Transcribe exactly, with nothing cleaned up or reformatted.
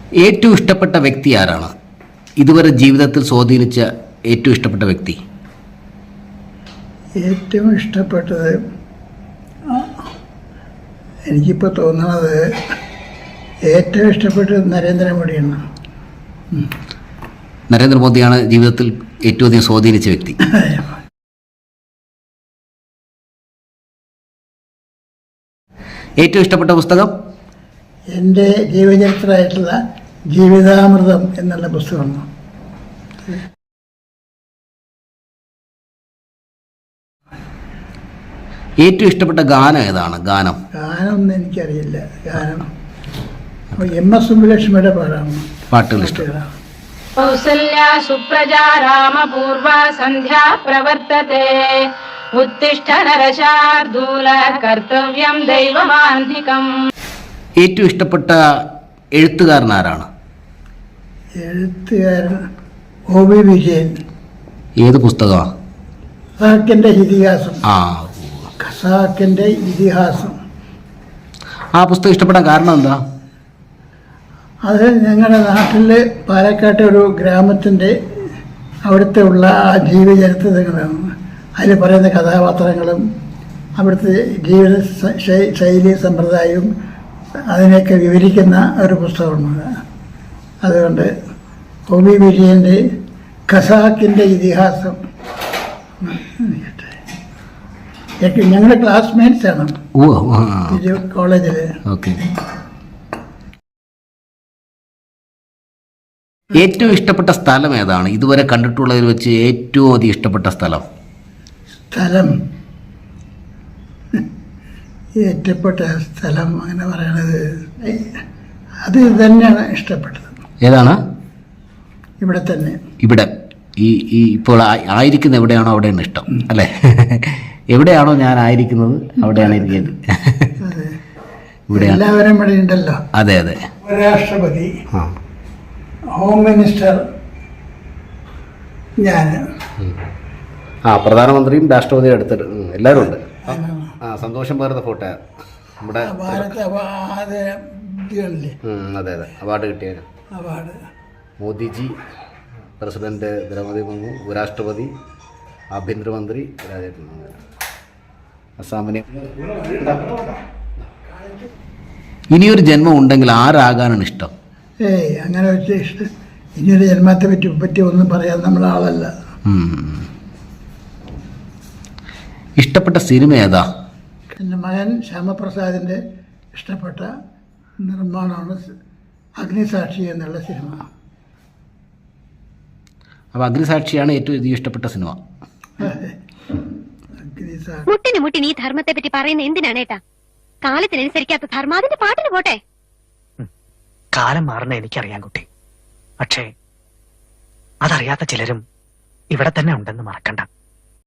ഏറ്റവും ഇഷ്ടപ്പെട്ട വ്യക്തി ആരാണ്? ഇതുവരെ ജീവിതത്തിൽ സ്വാധീനിച്ച ഏറ്റവും ഇഷ്ടപ്പെട്ട വ്യക്തി? ഏറ്റവും ഇഷ്ടപ്പെട്ടത് എനിക്കിപ്പോൾ തോന്നുന്നത് ഏറ്റവും ഇഷ്ടപ്പെട്ടത് നരേന്ദ്രമോദിയാണ്. നരേന്ദ്രമോദിയാണ് ജീവിതത്തിൽ ഏറ്റവും അധികം സ്വാധീനിച്ച വ്യക്തി. ഏറ്റവും ഇഷ്ടപ്പെട്ട പുസ്തകം? എൻ്റെ ജീവചരിത്രമായിട്ടുള്ള ജീവിതാമൃതം എന്നുള്ള പുസ്തകമാണ്. ഏറ്റവും ഇഷ്ടപ്പെട്ട ഗാനം ഏതാണ്? ഗാനം ഗാനമൊന്നും എനിക്കറിയില്ല. ഗാനം എം എസ് സുബ്ബലക്ഷ്മിയുടെ പാടാണ്. പാട്ടുകൾ ഇഷ്ടം. കൗസല്യ സുപ്രജാ രാമപൂർവ സന്ധ്യാ പ്രവർത്തത്തെ ഉത്തിഷ്ഠ നരശാർദൂല കർത്തവ്യം ദൈവമാന്തികം. ഏറ്റവും ഇഷ്ടപ്പെട്ട എഴുത്തുകാരൻ ആരാണ്? എഴുത്തുകാരൻ ഒ വി വിജയൻ. ഏത് പുസ്തകമാണ്? ഖസാക്കിന്റെ ഇതിഹാസം. ആ, ഖസാക്കിന്റെ ഇതിഹാസം. ആ പുസ്തകം ഇഷ്ടപ്പെടാൻ കാരണം എന്താ? അത് ഞങ്ങളുടെ നാട്ടിൽ പാലക്കാട്ടെ ഒരു ഗ്രാമത്തിൻ്റെ അവിടുത്തെ ഉള്ള ആ ജീവചരിത്രങ്ങളാണ്. അതിൽ പറയുന്ന കഥാപാത്രങ്ങളും അവിടുത്തെ ജീവിത ശൈലി സമ്പ്രദായവും അതിനെയൊക്കെ വിവരിക്കുന്ന ഒരു പുസ്തകമാണ്. അതുകൊണ്ട് ഒ വി വിജയൻ്റെ ഖസാക്കിൻ്റെ ഇതിഹാസം. ഞങ്ങളുടെ ക്ലാസ്മേറ്റ്സ് ആണ് കോളേജിൽ. ഓക്കെ. ഏറ്റവും ഇഷ്ടപ്പെട്ട സ്ഥലം ഏതാണ്? ഇതുവരെ കണ്ടിട്ടുള്ളതിൽ വെച്ച് ഏറ്റവും അധികം ഇഷ്ടപ്പെട്ട സ്ഥലം? സ്ഥലം ഏറ്റപ്പെട്ട സ്ഥലം അങ്ങനെ പറയണത് അത് തന്നെയാണ് ഇഷ്ടപ്പെട്ടത്. ഏതാണ്? ഇവിടെ തന്നെ. ഇവിടെ ഈ ഈ ഇപ്പോൾ ആയിരിക്കുന്ന എവിടെയാണോ അവിടെയാണ് ഇഷ്ടം അല്ലേ? എവിടെയാണോ ഞാൻ ആയിരിക്കുന്നത് അവിടെയാണ് ഇരിക്കുന്നത്. ഇവിടെ എല്ലാവരും ഇവിടെ ഉണ്ടല്ലോ. അതെ അതെ. ഉപരാഷ്ട്രപതി, ഹോം മിനിസ്റ്റർ, ഞാൻ, ആ പ്രധാനമന്ത്രിയും രാഷ്ട്രപതിയും എടുത്തിട്ട് എല്ലാവരും ഉണ്ട്. ആ സന്തോഷം പകർന്ന ഫോട്ടോ നമ്മുടെ ഭാരത് അവാർഡ്. അതെ അതെ അവാർഡ് കിട്ടിയ അവാർഡ് മോദിജി, പ്രസിഡന്റ് ദ്രൗപദി മുർമു, ഉപരാഷ്ട്രപതി, ആഭ്യന്തരമന്ത്രി രാജേന്ദ്രൻ, അസാമിന്. ഇനിയൊരു ജന്മം ഉണ്ടെങ്കിൽ ആരാകാനാണ് ഇഷ്ടം? ഏയ് അങ്ങനെ വെച്ച് ഇഷ്ടം ഇനിയൊരു ജന്മത്തെ പറ്റി പറ്റി ഒന്നും പറയാൻ നമ്മളെ ആളല്ല. ഇഷ്ടപ്പെട്ട സിനിമ ഏതാ? എൻ്റെ മകൻ ശ്യാമപ്രസാദിൻ്റെ ഇഷ്ടപ്പെട്ട നിർമ്മാണമാണ് അഗ്നിസാക്ഷി എന്നുള്ള സിനിമ. അപ്പോൾ അഗ്നിസാക്ഷിയാണ് ഏറ്റവും അധികം ഇഷ്ടപ്പെട്ട സിനിമ. മുട്ടിന് മുട്ടിന് ഈ ധർമ്മത്തെ പറ്റി പറയുന്ന എന്തിനാണ് ഏട്ടാ? കാലത്തിനനുസരിക്കാത്ത ധർമ്മം അതിന്റെ പാട്ടിന് പോട്ടെ. കാലം മാറുന്ന എനിക്കറിയാം കുട്ടി, പക്ഷേ അതറിയാത്ത ചിലരും ഇവിടെ തന്നെ ഉണ്ടെന്ന് മറക്കണ്ട.